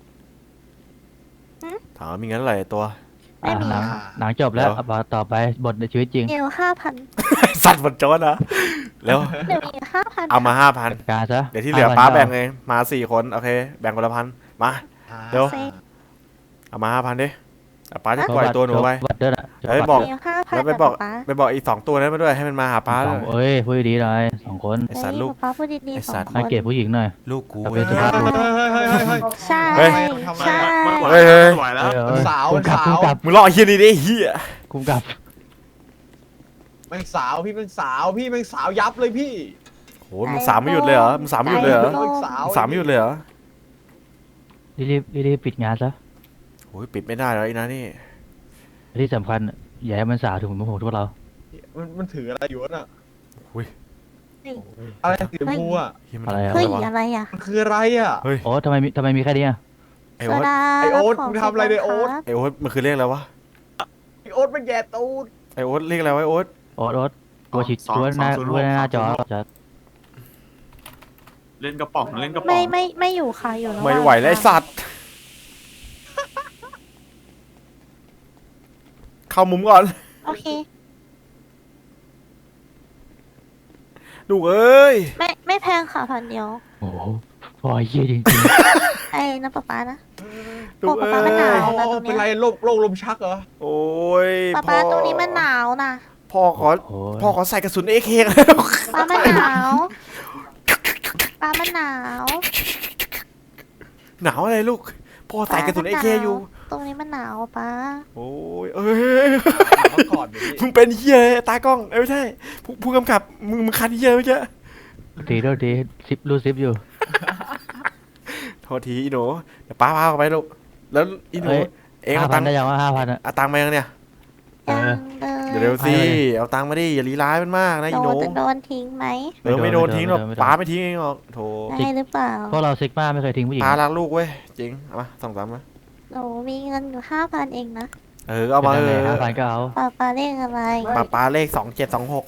Speaker 2: ถามว่ามีเงินอะไรตัว
Speaker 6: ไม่มี
Speaker 5: หนังจบแล้วต่อไปบทในชีวิตจริง
Speaker 6: เดี๋ยว5,000
Speaker 2: สัตว์บนโจนนะแล้ว
Speaker 6: เดี๋ยวมี5,000
Speaker 2: เอามา5,000
Speaker 5: การซะ
Speaker 2: เดี๋ยวที่เหลือป้าแบ่งเองมา4 คนโอเคแบ่งคนละ1,000มา เดี๋ยว
Speaker 6: เซ็ก
Speaker 2: เอามา5,000ดิอ่ะป้าจะปล่อยตัวหนูไป
Speaker 5: บัตรด้วยนะ
Speaker 2: เฮ้ยบอก
Speaker 6: เดี๋ยว5,000
Speaker 2: แล้วไปบอก
Speaker 6: ป๊า
Speaker 2: ไปบอกอีก2 ตัวนั้นมาด้วยให้มันมาหาป้าด้วย
Speaker 5: เอ้ยพูดดีหน่อย2 คน
Speaker 2: ไอ้สัตว์ลูก
Speaker 6: ป๊าพูดดี
Speaker 2: ไอ้
Speaker 6: ๆ
Speaker 2: สั
Speaker 6: สอ
Speaker 2: ตว์
Speaker 6: งค
Speaker 5: ให้
Speaker 6: น
Speaker 5: เกียรติผู้หญิงหน่อย
Speaker 2: ลูกกู
Speaker 5: เอา
Speaker 2: เว้
Speaker 5: เป็
Speaker 2: ย
Speaker 5: นสุภาพบุรุษ
Speaker 6: ใช่
Speaker 2: เฮ้ย
Speaker 6: ใช่
Speaker 2: เฮ้ยเฮ้ย
Speaker 8: ไหวแล้วสาว
Speaker 5: คุ้มกับ
Speaker 8: สาว
Speaker 2: มึงรอไอ้เฮียนี่ดิเฮีย
Speaker 5: คุ้มกับ
Speaker 8: แม่งสาวพี่แม่งสาวยับเลยพี่
Speaker 2: โหมึงสามไม่หยุดเลยเหรอมึงสามไม่หยุดเลยเหรอ
Speaker 8: แม่งสาว
Speaker 2: มึงสามไม่หยุดเลยเหรอ
Speaker 5: รีบปิดงานซะ
Speaker 2: โอ้ยปิดไม่ได้แล้วไอ้นะนี่
Speaker 5: ที่สำคัญอย่าให้มันสาวถึงผมพวกเรา
Speaker 8: มันถืออะไรอยู่น่ะ
Speaker 2: อุ้ย
Speaker 8: อะไรสีชมพูอ่ะ
Speaker 2: เฮียมัน
Speaker 5: อะไรอะ
Speaker 6: เฮ้ย
Speaker 2: วะ
Speaker 6: อะไรอ่ะ
Speaker 8: มันคืออะไรอ่ะ
Speaker 2: เฮ้ย
Speaker 5: โอ้ทำไมมีแค่นี้อะ
Speaker 2: ไอ้
Speaker 6: โซ
Speaker 2: โอ๊ต
Speaker 6: ดา
Speaker 8: ไอ้โอ๊ต
Speaker 6: ข
Speaker 8: มึงทำอะไรเนี่ยโอ๊ต
Speaker 6: ครับ
Speaker 2: ไอ้โอ๊ตมันคือเรียกอะไรวะ
Speaker 8: ไอ้โอ๊ตมันแย่ตูด
Speaker 2: ไอ้โอ๊ตเรียกอะไรวะไอ้โอ๊ต
Speaker 5: โอ๊ตตัวฉีดตัวหน้าจอจะ
Speaker 10: เล่นกระป๋องเล่นกระป๋
Speaker 6: ไม่
Speaker 10: อง
Speaker 6: ไม่อยู่ค่ะอยู่ระาง
Speaker 2: ไม่ไหวแล้วไอ้สัตว์เข้ามุมก่อน
Speaker 6: โอเค
Speaker 2: ลูกเอ้ย
Speaker 6: ไม่แพงค่ะ1,000เดียว
Speaker 5: โอ้โหพอเยี่ยจริง
Speaker 6: ไอ้นะป๊านะ
Speaker 2: ลูก
Speaker 6: ป๊า
Speaker 2: เอ้
Speaker 6: ป๊ามันหนาว
Speaker 2: ย
Speaker 6: นะตรง
Speaker 8: เป็น
Speaker 6: เนี้
Speaker 8: ไร
Speaker 6: ย
Speaker 8: โรคลมชักเหรอ
Speaker 2: โอ้ย
Speaker 6: ป๊าตรงนี้มันหนาวนะ
Speaker 2: พ่อขอ
Speaker 5: ๆโอ้ย
Speaker 2: พ่อขอใส่กระสุนเอเคแล้ว
Speaker 6: ป๊ามันหนาวป๊ามันหนาว
Speaker 2: หนาวอะไรลูกพ่อใส่กระสุนเอเคอยู่
Speaker 6: ตรงนี้มันหนาวป๊า
Speaker 2: โอ้ยเอ้ย
Speaker 8: มาก่อนดิพี่
Speaker 2: มึงเป็นเฮียตากล้องไม่ใช่ผู้กำกับมึงคันเฮียเมื่อกี้
Speaker 5: โทษทีรูดซิปอยู่
Speaker 2: โทษทีอีหนูเดี๋ยวป้าพาเขาไปลูกแล้วอีหนู
Speaker 5: เอ้ย
Speaker 2: เองเอาตังค์
Speaker 5: ได้ยังว่า5,000อะ
Speaker 2: เอาตังค์มายังเนี่ย
Speaker 6: ยังเลย
Speaker 2: เดี๋ยวสิ
Speaker 5: ให้เลย
Speaker 2: เอาตังค์มาดิอย่าลีร้ายมันมากนะอีหนู
Speaker 6: จะโดนทิ้งไหม
Speaker 2: ไม่โดนทิ้งหรอก
Speaker 5: ไม่โดน
Speaker 2: ป้าไม่ทิ้งเองหรอกโถ
Speaker 6: ได้หรือเปล่า
Speaker 5: พวกเราซิกมาไม่เคยทิ้งผู้หญิง
Speaker 2: ป้ารักลูกเว้ยจริงเอามา2-3มา
Speaker 6: หนูมีเงินอยู่5,000เองนะ
Speaker 2: เอามา
Speaker 5: 5,000ก็เอา
Speaker 6: ป๊าเลขอะไร
Speaker 2: ป้าเลข2726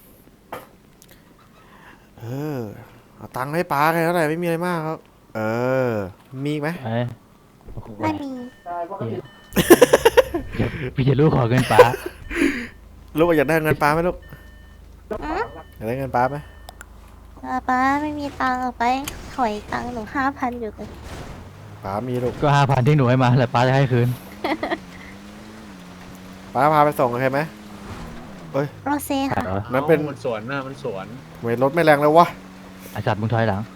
Speaker 2: เอาตังค์ให้ป้าแค่นั้นแหละไม่มีอะไรมากครับมีอีกไหม
Speaker 5: เอ้ยโอ้โห
Speaker 6: ไม่มี
Speaker 5: พี่จะรู้ขอเงินป้า
Speaker 2: ลูกอยากได้เงินป้าไหมลูก
Speaker 6: อืม
Speaker 2: อยากได้เงินป้าไหม
Speaker 6: ป๊าไม่มีตังค์เอาไปถอยตังค์หนู5,000อยู่เลย
Speaker 2: ป้ามีลูก
Speaker 5: ก็5,000ที่หนูให้มาแล้วป้าจะให้คืน
Speaker 2: ป้าพาไปส่งโอเคไหม
Speaker 6: โรเซ่ค่ะ
Speaker 2: นั้นเป็น
Speaker 8: มันสวนนะมันสวน
Speaker 2: เวทรถไม่แรงแล้ววะ
Speaker 5: ไอสัตว์มึงถอยหลัง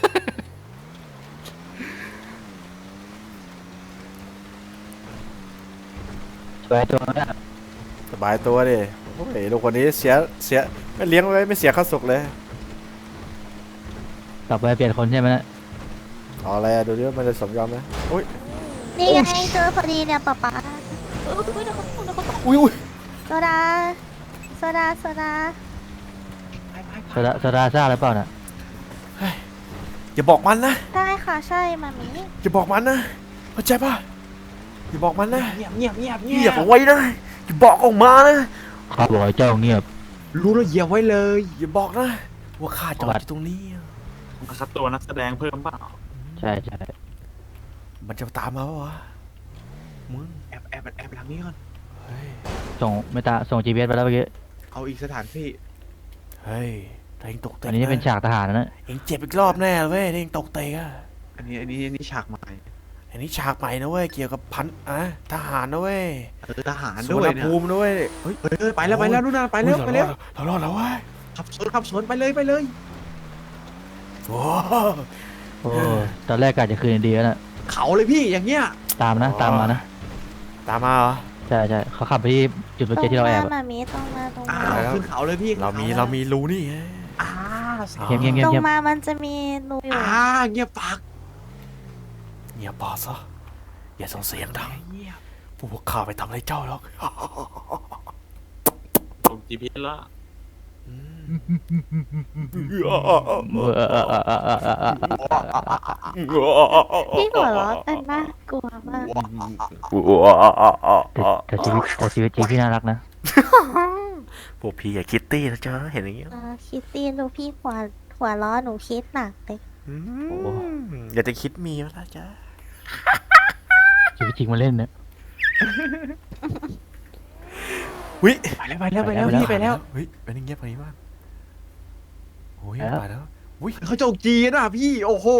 Speaker 5: ตัวตัวนั้นอะ
Speaker 2: สบายตัวดิโอ้ยลูกคนนี้เสียไม่เลี้ยงไว้ไม่เสียข้าวสุกเลย
Speaker 5: ต่อไปเปลี่ยนคนใช่ไหมนะ
Speaker 2: เอาอะไรอะดูดิว่ามันจะสมยอมไหมอุ้ย
Speaker 6: นี่ไงเจอพอดีเนี่ยป๊าป๊า
Speaker 2: อุ้ยอุ้ย
Speaker 6: โซดาโซดาโซดา
Speaker 5: โซดาซ่าหรือเปล่าน่ะ
Speaker 2: อย่าบอกมันนะ
Speaker 6: ได้ค่ะใช่มามี
Speaker 2: อย่าบอกมันนะเข้าใจป่ะอย่าบอกมันนะ
Speaker 8: เงียบเงียบเงียบ
Speaker 2: เหยียบเอาไว้นะอย่าบอกออกมานะ
Speaker 5: ข้าบอกให้เจ้าเงียบ
Speaker 8: รู้แล้วเหยียบไว้เลย
Speaker 2: อย่าบอกนะว่าข้าจอดอยู่ตรงนี้
Speaker 7: คัดตัวนักแสดงเพิ่มเปล่า
Speaker 5: ใช่ใช่
Speaker 2: มันจะตามมาปะวะมึง
Speaker 8: แอบหลังนี้ก่อน
Speaker 2: เฮ้ย
Speaker 5: ส่ง GPS ไปแล้วเมื่อกี้
Speaker 8: เอาอีกสถานที่
Speaker 2: เฮ้ยถ้าเองตกเตะ
Speaker 5: อันนี้เป็นฉากทหารนะ
Speaker 2: เองเจ็บอีกรอบแน่เว้ยถ้าเองตกเตะอะ
Speaker 8: อันนี้ฉากใหม่
Speaker 2: อันนี้ฉากใหม่นะเว้ยเกี่ยวกับทหารนะเว้ย
Speaker 8: ทหาร
Speaker 2: สุ
Speaker 8: ด้
Speaker 2: ว
Speaker 8: ว
Speaker 2: ร
Speaker 8: ย
Speaker 2: รณ
Speaker 8: เนี่ย
Speaker 2: ภูมินะเว้ยเฮ้ย
Speaker 8: ไปแล้วนู่นน่ะไปแล้ว
Speaker 2: เรารอดแล้วเว้ย
Speaker 8: ขับสวนไปเลย
Speaker 2: โอ้
Speaker 5: โอ้ตอนแรกกะจะคืนดีแล้วน่ะ
Speaker 8: เขาเลยพี่อย่างเงี้ย
Speaker 5: ตามมานะ
Speaker 2: ตามมาเหรอ
Speaker 5: ใช่ใช่เขาขับไปที่จุด
Speaker 6: ต
Speaker 5: เมื่อ
Speaker 6: ร
Speaker 5: กี้
Speaker 6: ง
Speaker 5: ที่เราแอบ
Speaker 6: มา
Speaker 5: อะ
Speaker 6: มามีตรงมาตรง
Speaker 8: อ้า
Speaker 6: มา
Speaker 8: วขึ้นเขาเลยพี่
Speaker 2: เรามีรูนี่ไง
Speaker 5: เงียบเงียบเงียบ
Speaker 6: ตรง
Speaker 5: เงียบ
Speaker 6: มามันจะมีรูอยู่
Speaker 8: เงียบปาก
Speaker 2: เงียบปากซะอย่าส่งเสียงดังพวกข้าไปทำอะไรเจ้าหรอก
Speaker 7: ส่ง GPS แล้ว
Speaker 6: พี่หัวเราะกันน่ากลัวมาก
Speaker 5: แต่ชีวิตจริงพี่น่ารักนะ
Speaker 2: พวกพี่อย่าคิดตี้นะจ๊ะเห็นอย่างเงี้ย
Speaker 6: คิดตีนดูพี่หัวล้อหนูคิดหนักเลย
Speaker 2: อย่าจะคิดมีแล้วนะจ๊ะ
Speaker 5: ชีวิตจริงมาเล่นนะ
Speaker 2: วิ
Speaker 8: ไปแล้วพี่ไปแล้ว
Speaker 2: เฮ้ยเป็นอย่างเงี้ยไปบ้างโอ้ยไปแล้วอุ้ย
Speaker 8: เขาโจกจีนอ่ะพี่โอ้โห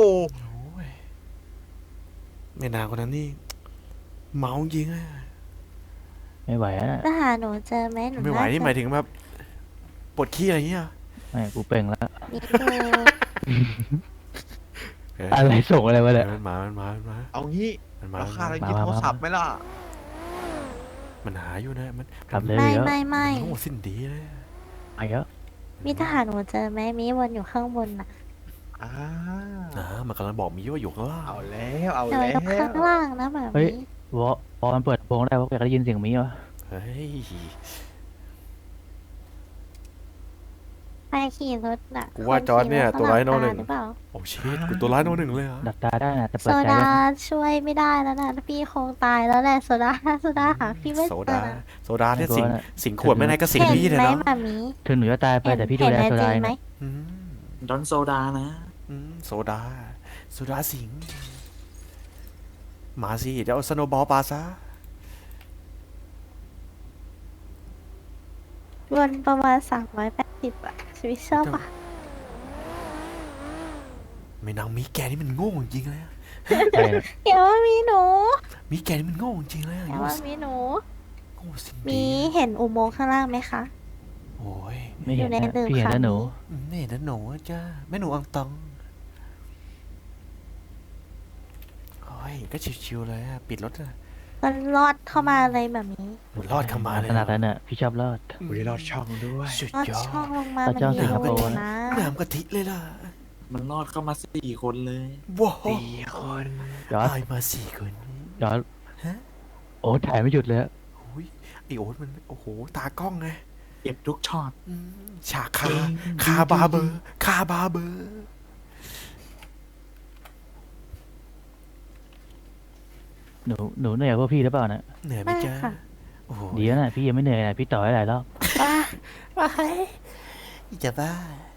Speaker 2: แม่นางคนนั้นนี่เมาจริงอะ
Speaker 5: ไม่ไหวแล้วนะ
Speaker 6: ถ้าหาหนูเจอไหมหนู
Speaker 2: ไม่ไหวนี่หมายถึงแบบปวดขี้อะไรเงี้ย
Speaker 5: ไม่กูเป่งแล้ว
Speaker 6: มีดู
Speaker 5: อะไรส่งอะไรมาเนี่ย
Speaker 2: มันมา
Speaker 8: เอางี้
Speaker 2: มันมา
Speaker 8: ราคาอะไรกินโทรศัพท์ไหมล่ะ
Speaker 2: มันหาอยู่นะมัน
Speaker 5: ขับเลย
Speaker 6: ไม่
Speaker 5: เยอะ
Speaker 6: ไม่ไม่
Speaker 2: โง่สิ้นดีเลย
Speaker 5: ไปเยอะ
Speaker 6: มีทหารหนูเจอไหมมีวนอยู่ข้างบนน่ะ
Speaker 2: มันกำลังบอกมีว่าอยู่ข้างล่าง
Speaker 8: เอาแล้ว
Speaker 6: เจออยู่ข้างล่างนะแบบ
Speaker 5: เฮ้ย
Speaker 6: นี้
Speaker 5: พอมันเปิดโปงได้ว่าอยากได้ยินเสียงมีวะ
Speaker 2: เฮ้ย
Speaker 6: ไปขี่รถน่ะ
Speaker 2: กูว่าจอร์จเนี่ยตัวร้ายโน่นหนึ่ง
Speaker 6: หรือเปล่า
Speaker 2: โอ้ชิตกูตัวร้ายโน่นหนึ่งเลยเหรอ
Speaker 5: ดับตาได้นะแต่
Speaker 6: โซ
Speaker 5: เปิดใจ
Speaker 6: ดา
Speaker 5: ได้
Speaker 6: ช่วยไม่ได้แล้วนะพี่คงตายแล้วแหละโซดาหาพี่ไม่
Speaker 2: โซ
Speaker 6: เจอ
Speaker 2: ดา
Speaker 6: นะ
Speaker 2: โซดาเนี่ยสิงขวดไม่ได้ก็สิง
Speaker 6: เห็น
Speaker 2: พี่เลย
Speaker 6: ไหม
Speaker 2: เนาะ
Speaker 6: มามี
Speaker 5: ถึงหนูจะตายไปแต่พี่ดู
Speaker 6: เห็น
Speaker 5: แล
Speaker 6: ใน
Speaker 5: โซ
Speaker 6: จริ
Speaker 5: ดาง
Speaker 6: ไหม
Speaker 5: นะ
Speaker 2: อืม
Speaker 7: ดอนโซดานะ
Speaker 2: โซดาสิงมาสิเดี๋ยวเอาสโนว์บอลปาซะ
Speaker 6: วนประมาณ380อะชีวิตชอบอะ
Speaker 2: ไม่นางมีแกนี่มันโง่จริงเลยอะ
Speaker 5: ใช่นะ
Speaker 6: อย่าว่ามีหนู
Speaker 2: มีแกนี่มันโง่จริงเลยอะ
Speaker 6: อย่าว่ามีหนู
Speaker 2: โง่สิ้น
Speaker 6: มี
Speaker 2: ดี
Speaker 6: เห็นอุโมงค์ข้างล่างไหมคะ
Speaker 2: โอ้ย
Speaker 5: ไม่เห็น
Speaker 6: อยู่ใน
Speaker 5: นะ
Speaker 6: ตึก
Speaker 5: พี่เห็น
Speaker 6: ค่ะ
Speaker 5: แล้วหนู
Speaker 2: นี่นะหนูจ้าแม่หนูอังตองโอ้ยก็ชิวๆเลยอะปิดรถอะ
Speaker 6: ก็รอดเข้ามาเลยแบบนี้
Speaker 2: มันรอดเข้ามาเลย
Speaker 5: ขนาดนั้นน่ะพี่ชอบรอด
Speaker 8: อุ้ยรอดช่องด้วย
Speaker 2: สุด
Speaker 6: รอด
Speaker 2: ยอ
Speaker 6: ช่อง
Speaker 2: ด
Speaker 6: ลงมา
Speaker 5: พระ
Speaker 6: มัน
Speaker 5: เจ้า
Speaker 6: มี
Speaker 5: สิงคโปร์
Speaker 6: รูนะ
Speaker 2: น้ำกะทิเลยล่ะ
Speaker 7: มันรอดเข้ามา4 คนเลย
Speaker 2: ว้าว
Speaker 8: 4 คน
Speaker 5: ยอด
Speaker 2: ตายมา4 คน
Speaker 5: ยอด
Speaker 2: ฮะ
Speaker 5: โอ้ถ่ายไม่หยุดเลยอะ
Speaker 2: โอ้ยไอโอ๊ตมันโอ้โหตากล้องไง
Speaker 7: เก็บทุกช็อต
Speaker 2: ฉากคาบาเบอร์คาบาเบอร์
Speaker 5: หนูเหนื่อยกว่าพวกพี่หรือเปล่านะ
Speaker 2: เหนื่อยไหม
Speaker 6: ไม่
Speaker 2: จ๊ะ
Speaker 6: ค่ะ
Speaker 2: โอ้โห
Speaker 5: ดีแล้วนะพี่ยังไม่เหนื่อยนะพี่ต่อให้หลายรอบ
Speaker 6: ว้า
Speaker 2: จะบ้า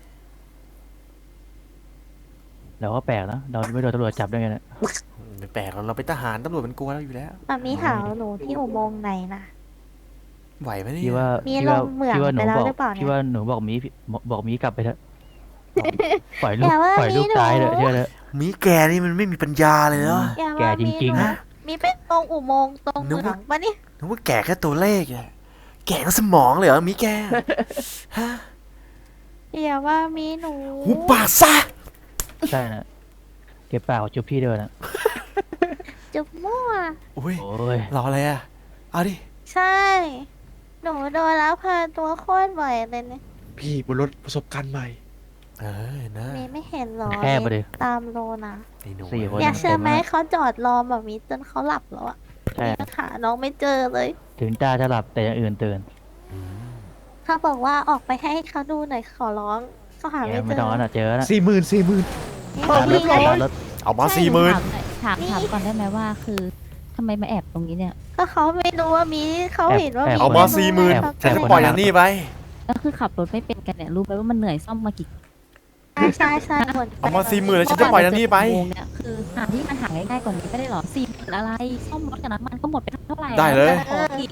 Speaker 5: เราก็แปลกนะเราไม่โดนตำรวจจับได้ไงนะ
Speaker 2: ไม่แปลกหรอกเราเป็นทหารตำรวจมันกลัวเราอยู่แล้ว
Speaker 6: มามีหาหนูที่อุโมงค์ไหนนะ
Speaker 2: ไหวไหมเนี่ย
Speaker 5: พี่ว่า
Speaker 6: มี
Speaker 5: พี่ว่า
Speaker 6: ลงเหมือง
Speaker 5: พี่ว่าหนู
Speaker 6: ไปแล้ว
Speaker 5: บอก
Speaker 6: หรือเปล่าเนี่ย
Speaker 5: พี่ว่าหนูบอกมีกลับไปเถอะปล่อยลู
Speaker 6: อก ย่าว่า
Speaker 5: ปล่อยลูก
Speaker 6: มีหนู
Speaker 5: ตายเถอะเชื่อเถอะ
Speaker 2: มีแกนี่มันไม่มีปัญญาเลยเนาะ
Speaker 6: อย่า
Speaker 5: แก
Speaker 6: ว่า
Speaker 5: จ
Speaker 6: มี
Speaker 5: ริง
Speaker 6: ห
Speaker 5: ๆ
Speaker 6: นู
Speaker 5: นะ
Speaker 6: มีเป็นตรงอุโมงค์ตรงเหมืองปะนี่
Speaker 2: นึกว่าแกแค่ตัวเลขอะแกก็สมองเลยเหรอมีแกฮะ
Speaker 6: อย่าว่ามีหนู
Speaker 2: หูปากซะ
Speaker 5: ใช่นะเก็บปากกับจุ๊บพี่ด้วยนะ
Speaker 6: จุบมั่ว
Speaker 2: อุ้ย
Speaker 5: โอ้ย
Speaker 2: รออะไรอะเอาดิ
Speaker 6: ใช่ หนูโดนแล้วพาตัวโคตรบ่อยเลยเนี่ย
Speaker 8: พี่บนรถประสบการณ์ใหม่
Speaker 2: เออนะ
Speaker 6: มีไม่เห็นหรอ
Speaker 5: แค่ไปดิ
Speaker 6: ตามโลนะ
Speaker 2: ไอ้หนู
Speaker 5: 4 คน
Speaker 6: อยากเชื่อไหม
Speaker 5: ต็แล้ว
Speaker 6: เขาจอดรอแบบนี้จนเขาหลับแล้วอะ
Speaker 5: ใช่
Speaker 6: ยังหาน้องไม่เจอเลย
Speaker 5: ถึงจ้าจะหลับแต่อย่างอื่นตื่น
Speaker 6: เขาบอกว่าออกไปให้เขาดูหน่อยขอร้องเขาหา
Speaker 5: แก
Speaker 6: ไม่
Speaker 5: ไม่
Speaker 6: เจ
Speaker 5: ต้
Speaker 6: อ
Speaker 5: องนะเจอแล้ว
Speaker 8: 40,000
Speaker 6: นี่
Speaker 5: รถ
Speaker 6: ไง
Speaker 5: รถ
Speaker 2: เอามา
Speaker 6: ใช่
Speaker 2: 40,000
Speaker 10: ถามก่อนได้ไหมว่าคือทำไมมาแอบตรงนี้เนี่ย
Speaker 6: ก็เขาไม่รู้ว่ามีเขาเห็นว่ามี
Speaker 2: เอามา
Speaker 6: ไรู้
Speaker 2: 40,000
Speaker 6: ไงเขา
Speaker 2: ฉัน
Speaker 6: ก็
Speaker 2: จะ
Speaker 6: เลย
Speaker 2: ปล่อยอย่างนี้ไป
Speaker 10: ก็คือขับรถไม่เป็นกันเนี่ยรู้ไหมว่ามันเหนื่อยซ่อมมากี่
Speaker 6: ใช่หมด
Speaker 2: เอามา40,000แล้วฉันจะปล่อยอย่างนี้ไป
Speaker 10: ชั่วโมงเนี่ยคือหาที่มันหาง่ายๆกว่านี้ไม่ได้หรอ40,000อะไรซ่อมรถกับน้ำมันก็หมดไปเท่าไหร่
Speaker 2: ได้เลย
Speaker 10: ขออีก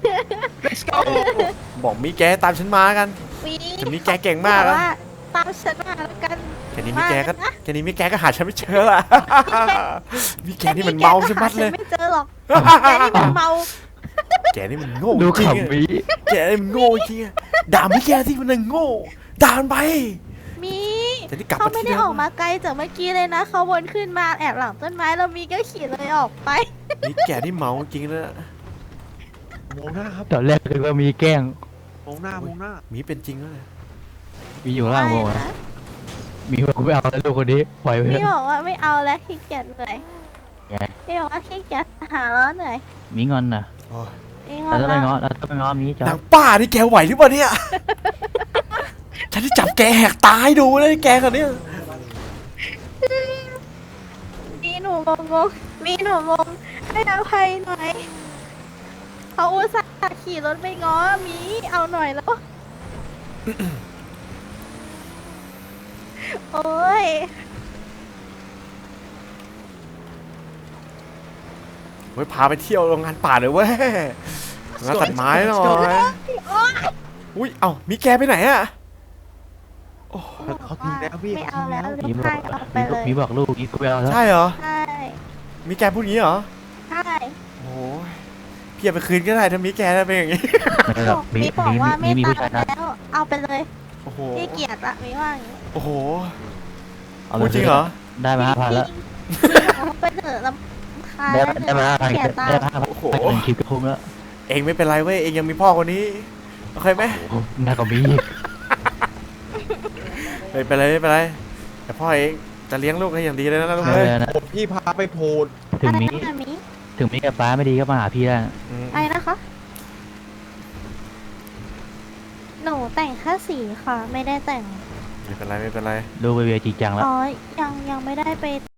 Speaker 2: บอกมีแกตามฉันมากัน
Speaker 6: มี
Speaker 2: แต่มีแกเก่งมาก
Speaker 6: แต่
Speaker 2: อะ
Speaker 6: ว่าตามฉันมาแล้วกัน
Speaker 2: แค่นี้มีแกก็หาฉันไม่เจอละมีแกนี่มันเมาใช่ไหมเลย
Speaker 6: ไม่เจอหรอกแกนี่มันเมา
Speaker 2: แกนี่มันโง่
Speaker 5: ดู
Speaker 2: จริง
Speaker 5: ขำ
Speaker 2: อะ
Speaker 5: วิ
Speaker 2: แกนี่มันโง่จริงอะด่าไม่แกที่มันโง่ด่ามันไป
Speaker 6: มี
Speaker 2: จะได้กลับ
Speaker 6: เขา
Speaker 2: มา
Speaker 6: ไม่
Speaker 2: ที่
Speaker 6: ได้
Speaker 2: เดิ
Speaker 6: ออก
Speaker 2: ม
Speaker 6: มาไกลจากเมื่อกี้เลยนะเขาวนขึ้นมาแอบหลังต้นไม้แล้วมีก็ขี่เลยออกไป
Speaker 2: นี่แกนี่เมาจริงนะ
Speaker 8: มองหน้าครับ
Speaker 5: ตอนแรกคือว่ามีแกล้ง
Speaker 8: มองหน้ามองหน้า
Speaker 2: มีเป็นจริงแล้วเลย
Speaker 5: มีอยู่ล่างโม
Speaker 6: ไม่นะ
Speaker 5: มีบอกกูไม่เอาแล้วลูกคนนี้ปล่อยไปเถ
Speaker 6: พี่
Speaker 5: อะ
Speaker 6: บอกว่าไม่เอาแล้วขี้เกียจเหนื่อย
Speaker 5: ไง
Speaker 6: พี่บอกว่าขี้เกียจหาแล้วเหนื่อย
Speaker 5: มีงอนนะ
Speaker 2: โอ้ย
Speaker 6: พี่
Speaker 5: เราต้องไปง้อ
Speaker 6: แล้ว
Speaker 5: เราต้องไปง้อมีจ้ะ
Speaker 2: นางป้านี่แกไหวหรือเปล่าเนี่ย ฉันที่จับแกแหกตายดูเลยแกคนเนี้ย
Speaker 6: มีหนูงงมีหนูงงให้อภัยหน่อยเขาอุตส่าห์ขี่รถไปง้อมีเอาหน่อยแล้ว โอ้ย
Speaker 2: เฮ้ยพาไปเที่ยวโรงงานป่าเลยเว้ยงานตัดไม้หน่อยอุ้ยเอ้ามีแกไปไหนอะ
Speaker 8: เขาทิ้งแล้วพี่
Speaker 6: ไม่เอาแล้ว
Speaker 5: มี
Speaker 6: ลูก
Speaker 5: บอ
Speaker 6: ชาก ยเอาไปเลย
Speaker 5: มีบอกลูกอีกกูไม่เอาแล้ว
Speaker 2: ใช่เหรอ
Speaker 6: ใช่
Speaker 2: มีแกพูดงี้เหรอ
Speaker 6: ใช่
Speaker 2: โอ้ยพี่เอาไปคืนก็ได้ถ้ามีแกได้เป็นอย่างงี้
Speaker 5: ไม่หรอกมี
Speaker 6: มีบอกว่าไม่
Speaker 5: มี
Speaker 6: ตา
Speaker 5: ผู้ชาย
Speaker 6: ม
Speaker 5: นะ
Speaker 6: แล้ว เอาไปเลย
Speaker 2: โอ้โห
Speaker 6: พี่เกียรติอะมีว่าอย่างนี้
Speaker 2: โอ้โห
Speaker 5: เอา
Speaker 2: พูดจริงเหรอ
Speaker 5: ได้มา5,000แล้ว
Speaker 6: ไปเถอะลำคาญ
Speaker 5: ได้มา5,000
Speaker 6: เสียตัง
Speaker 5: ได้
Speaker 6: ค์
Speaker 5: มา5,000
Speaker 2: โอ้โห
Speaker 5: ไปเป็นคลิปก็คุ้มแล้ว
Speaker 2: เองไม่เป็นไรเว้ยเองยังมีพ่อคนนี้โอเคไหม
Speaker 5: โอ้โหน่าก็มีอีก
Speaker 2: ไม่เป็นไรไม่เป็นไรแต่พ่อเองจะเลี้ยงลูกให้อย่างดีเลยนะลูก
Speaker 5: ไม่
Speaker 2: เอ้ย
Speaker 5: เป็นไรนะ
Speaker 8: พี่พาไปโพด
Speaker 5: ถึงมี
Speaker 6: อะไรนะมี
Speaker 5: ถึงมีกับป้าไม่ดีก็มาหาพี่ได้
Speaker 2: อืม
Speaker 6: อะไรนะคะ หนูแต่งแค่สีค่ะ ไม่ได้แต่ง
Speaker 2: ไม่เป็นไรไม่เป็นไร
Speaker 5: ดูไปเวจริงจังแล้ว
Speaker 6: อ๋อ ยังไม่ได้ไป